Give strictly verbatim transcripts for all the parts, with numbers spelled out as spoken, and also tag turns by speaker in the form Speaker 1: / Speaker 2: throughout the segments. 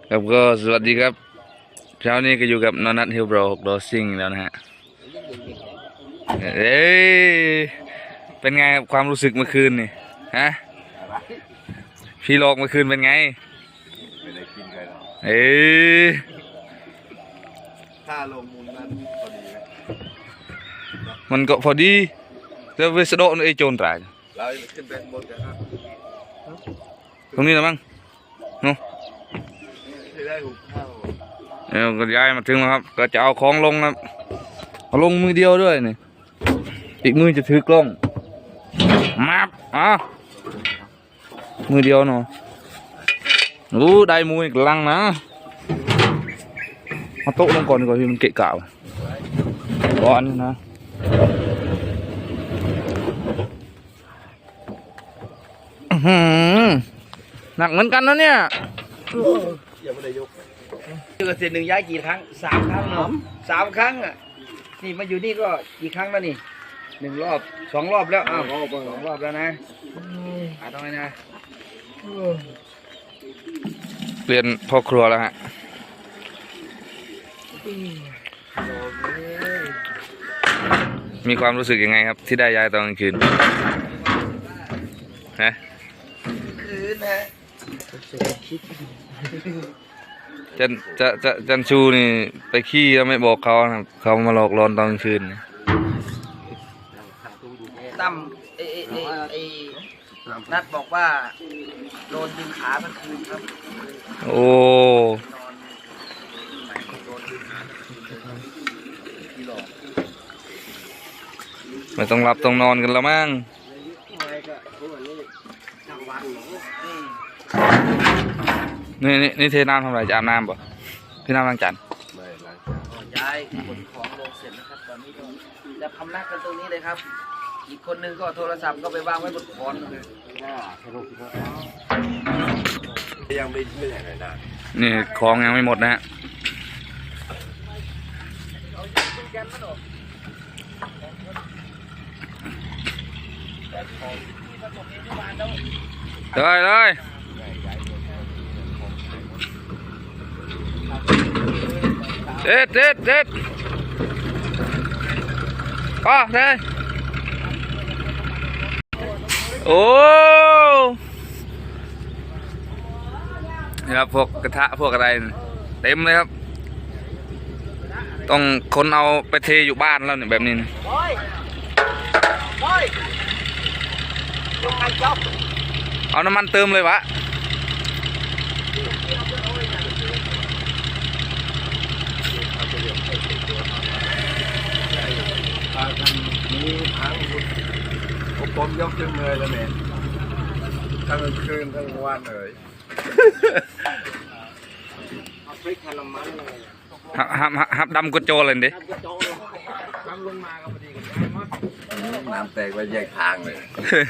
Speaker 1: ครับก็สวัสดีครับเช้านี้ก็อยู่กับนอนัทฮิลโบรหกดอซิงแล้วนะฮะเอ้ยเป็นไงครับความรู้สึกเมื่อคืนนี่ฮะพี่โลกเมื่อคืนเป็นไงไม่ได้กินเลยเอ้ย
Speaker 2: ค่าลงมูลนั้นพอดีไหม
Speaker 1: มันก็พอดีแต่เวสโดนไอ้โจรตาย
Speaker 2: เราขึ้นไปบนกันครับ
Speaker 1: ตรงนี้นะมั้งเนาะ
Speaker 2: ได้หุบข้าว
Speaker 1: เออก็ย้ายมาถึงแล้วครับก็จะเอาของลงครับเอาลงมือเดียวด้วยนี่อีกมือจะถือกล้องมาบอ่ะมือเดียวเนาะรู้ได้มืออีกลังนะเอาโต๊ะลงก่อนดีกว่าที่มันเกะกะร้อนนะหนักเหมือนกันนะเนี่ย
Speaker 2: ยังไม่ได้ยก
Speaker 3: เกิดเสร็จหนึ่งย้ายกี่ครั้งสามครั้งเนาะสามครั้งอ่ะนี่มาอยู่นี่ก็กี่ครั้งแล้วนี่หนึ่งรอบสองรอบแล้วอ้าวสองรอบแล้วนะอ่าตรงนี้นะ
Speaker 1: เปลี่ยนพ่อครัวแล้วฮะมีความรู้สึกยังไงครับที่ได้ย้ายตอนกลางคืนฮะ
Speaker 3: คืนนะ
Speaker 1: จันจะจะจันชูนี่ไปขี้แล้วไม่บอกเขาครับเขามาหลอกลอนตอนกลางคืน
Speaker 3: ตั้มไอไอไอนัดบอกว่าโดนดึงขาเมื่อคืนครับ
Speaker 1: โอ้ไม่ต้องหลับต้องนอนกันแล้วมั้งนี่นี่นี่เทน้ำทำอะไรจะอาบน้ำป่ะพี่น้ำล้างจาน
Speaker 2: ไม่ล้าง
Speaker 3: ย้ายขนของลงเสร็จนะครับตอนนี้ก็จะพำนักกันตรงนี้เลยครับอีกคนนึงก็โทรศัพท์ก็ไปวางไว้บนขอนเลย
Speaker 2: ยังไม่ไม่ไหนเลยนะ
Speaker 1: นี่ของยังไม่หมดนะฮะเลยเลยเด็ดเด็ดเด็ดอ๋อเลยโอ้นี่ครับพวกกระทะพวกอะไรเต็มเลยครับต้องคนเอาไปเทอยู่บ้านแล้วเนี่ยแบบนี้นะเอาน้ำมันเติมเลยวะ
Speaker 2: นี้ทั้งผมยกขึ้นเลยแล้วแม่ทั้งคืนทั้งวันเลย
Speaker 1: ฮับฮับฮับดำกุโจเลยดิ
Speaker 2: น้ำแตกไปแยกทางเลย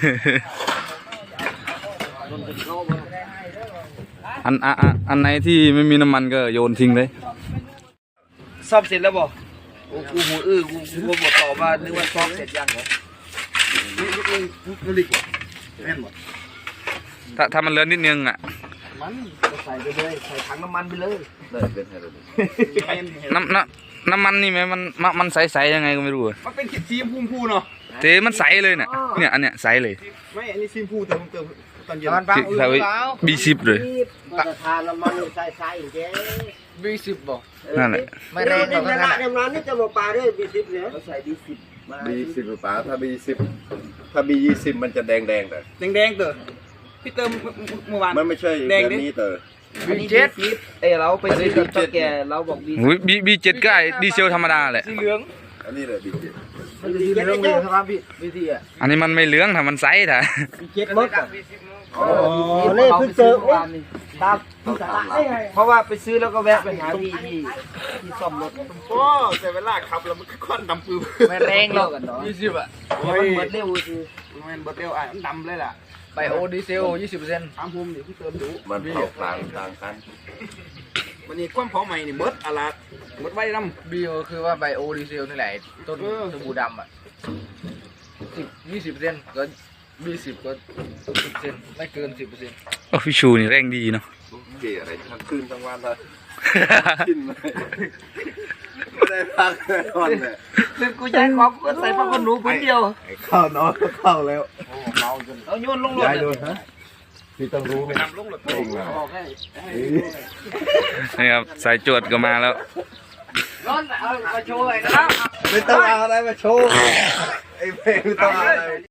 Speaker 1: อันอันอันไหนที่ไม่มีน้ำมันก็โยนทิ้งเลย
Speaker 3: ซ่อมเสร็จแล้วบ่กูหูอื้อกูกูบอกต่อว่านึกว่าซ่อมเสร็จยังเหรอ
Speaker 2: นี่นี่นี่นี่ลิกแม่นหมด
Speaker 1: ถ้าถ้ามันเลือนนิดนึงอ่ะ
Speaker 3: มันใส่ไปเลยใส่ถังน้ำมันไปเลย
Speaker 2: เลยเป็นไงเลย
Speaker 1: น้ำน้ำน้ำมันนี่ไหมมันมันใสๆยังไงก็ไม่รู้
Speaker 2: มันเป็นสีชมพูเนาะ
Speaker 1: เทมันใสเลยเนี่ยเนี่ยอันเนี้ยใสเลย
Speaker 2: ไม่อันนี้สีชมพูเติมเติมตอนเย็น
Speaker 1: บีสิบเลย
Speaker 3: ทานน้ำมันใสๆเจ๊
Speaker 2: บีสิบบ่
Speaker 1: นั่นแหละ
Speaker 3: ไม่แรงหรอกขนาดน้ำมันนี่จะมาปลาด้วยบีสิบเนี่ยใส่บีสิบ
Speaker 2: บีสิบปลาถ้าบีสิบถ้าบียี่สิบมันจะแดงแดงเลย
Speaker 3: แดงแดงเต๋อพี่เติมเมื่อวาน
Speaker 2: มันไม่ใช่แบบนี้เต๋อ
Speaker 3: บีเจ็ดเออเราไปซื้อกับตะแกเราบอกบี
Speaker 1: บีบีเจ็ดก็ไอ้ดีเซลธรรมดาแหละ
Speaker 3: สีเหลือง
Speaker 2: อันนี้เลยบีเจ็ด
Speaker 3: มันสีเหลืองเลยครับพี่บีทีอ่ะ
Speaker 1: อันนี้มันไม่เหลืองแต่มันใสถ่ะ
Speaker 3: บีเจ็ดมดอ๋อนี่เพิ่งเจอนี่ตามเพราะว่าไปซื้อแล้วก็แวะไปหาพี่ที่ที่ซ่อมรถ
Speaker 2: โอ้แต่เวลาขับแล้วมันควันดำปื้ม
Speaker 3: ไม่แรงหรอก
Speaker 2: ยี่สิบอ่ะ
Speaker 3: มันเบิดเร็วคือ
Speaker 2: มันเบิดเร็วอ่ะมันดำเลยล่ะ
Speaker 3: ไบโอดีเซลยี่สิบเปอร์เซ็นต์
Speaker 2: ถามภูมินี่ที่เติมดูมันเผาต่างต่างกันวันนี้ความเผาใหม่นี่เบิดอะไรเบิดไว้ด
Speaker 3: ำบีโอคือว่าไบโอดีเซลนี่แหละต้นสบู่ดำอ่ะสิบยี่สิบเปอร์เซ็นต์ก็ยี่สิบก็สิบเปอร์เซ็นต์ไม่เกินสิบเปอร์เซ็นต์
Speaker 1: โอ้พี่ชูนี่แรงดีเนาะ
Speaker 2: เกย์อะไรทั้งคืนทั้งวันเลยกินเลยไม่ได้พักเลยนอนเลย
Speaker 3: ซึ่งกูย้ายของกูก็ใส่ผ้าขนหนูผืนเดียว
Speaker 2: เข้านอนก็เข้าแล้วเมาจน
Speaker 3: เอาโยนลงรถ
Speaker 2: ย้ายเลยฮะพี่ต้องรู้ไหมลงรถเองนะ
Speaker 3: บอกให้
Speaker 1: นี่ครับสายจวดก็มาแล้ว
Speaker 3: ร้อนเอามาโชว์ไอ้นะครับ
Speaker 2: ไม่ต้องเอาอะไรมาโชว์ไอ้เพลงไม่ต้องเอาอะไร